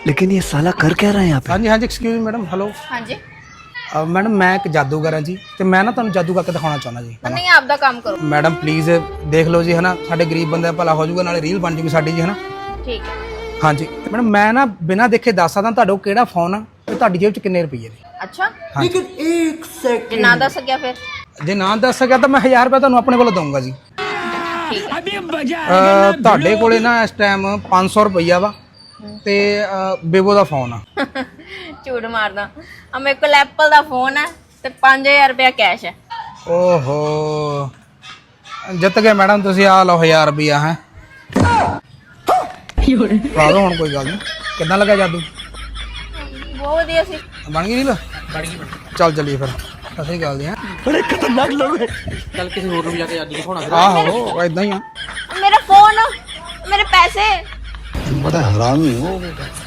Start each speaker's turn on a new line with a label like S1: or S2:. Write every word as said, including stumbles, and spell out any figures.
S1: लेकिन ये साला कर क्या रहा है यहाँ पे?
S2: हाँ जी हाँ जी एक्सक्यूज मैडम हेलो
S3: हाँ जी
S2: ਮੈਡਮ ਮੈਂ ਇੱਕ ਜਾਦੂਗਰ ਹਾਂ ਜੀ ਤੇ ਮੈਂ ਨਾ ਤੁਹਾਨੂੰ ਜਾਦੂ ਕਰਕੇ ਦਿਖਾਉਣਾ ਚਾਹੁੰਦਾ ਜੀ
S3: नहीं आपका काम करो
S2: ਮੈਡਮ ਪਲੀਜ਼ ਦੇਖ ਲਓ ਜੀ ਹਨਾ ਸਾਡੇ ਗਰੀਬ ਬੰਦੇ ਦਾ ਭਲਾ ਹੋ ਜਾਊਗਾ ਨਾਲੇ ਰੀਲ ਬਣ ਜੂਗੀ ਸਾਡੀ ਜੀ ਹਨਾ
S3: ठीक है
S2: ਹਾਂਜੀ ਮੈਡਮ ਮੈਂ ਨਾ ਬਿਨਾਂ ਦੇਖੇ ਦੱਸ ਸਕਦਾ ਤੁਹਾਡਾ ਕਿਹੜਾ ਫੋਨ ਆ ਤੇ ਤੁਹਾਡੀ ਜੇਬ 'ਚ ਕਿੰਨੇ ਰੁਪਏ ਨੇ
S3: अच्छा
S2: लेकिन
S1: एक
S3: जे ना दस सकिया फिर
S2: ਜੇ ਨਾ ਦੱਸ ਸਕਿਆ ਤਾਂ ਮੈਂ ਹਜ਼ਾਰ ਰੁਪਏ ਤੁਹਾਨੂੰ ਆਪਣੇ ਕੋਲੋਂ ਦਊਂਗਾ ਜੀ
S3: ठीक है
S2: ਅਹ, ਤੁਹਾਡੇ ਕੋਲੇ ਨਾ ਇਸ ਟਾਈਮ ਪੰਜ ਸੌ ਰੁਪਈਆ ਵਾ ਤੇ ਬੇਬੋ ਦਾ ਫੋਨ ਆ
S3: झूठ मारदा अब मेरे को एप्पल दा फोन है ते पाँच हजार रुपया कैश है
S2: ਓਹੋ ਜਿੱਤ ਗਏ ਮੈਡਮ ਤੁਸੀਂ ਆ ਲਓ ਹਜ਼ਾਰ ਰੁਪਈਆ ਹੈ ਪਾ ਦੋ ਹੁਣ ਕੋਈ ਗੱਲ ਨਹੀਂ ਕਿੱਦਾਂ ਲੱਗਾ ਜਾਦੂ
S3: बहुत वधिया सी
S2: ਬਣ ਗਈ ਰੀਲ ਬਣ ਗਈ ਚੱਲ ਚੱਲੀਏ ਫਿਰ ਅਸੀਂ ਗੱਲ ਦੀ ਹੈ
S1: बड़े खतरनाक लोग हैं।
S2: ਚੱਲ ਕਿਸੇ ਹੋਰ ਨੂੰ ਜਾ ਕੇ ਜਾਦੂ ਦਿਖਾਉਣਾ ਆਹੋ ਇਦਾਂ ਹੀ ਆ
S3: मेरा फोन मेरे पैसे
S1: बड़ा हरामी हो बेटा।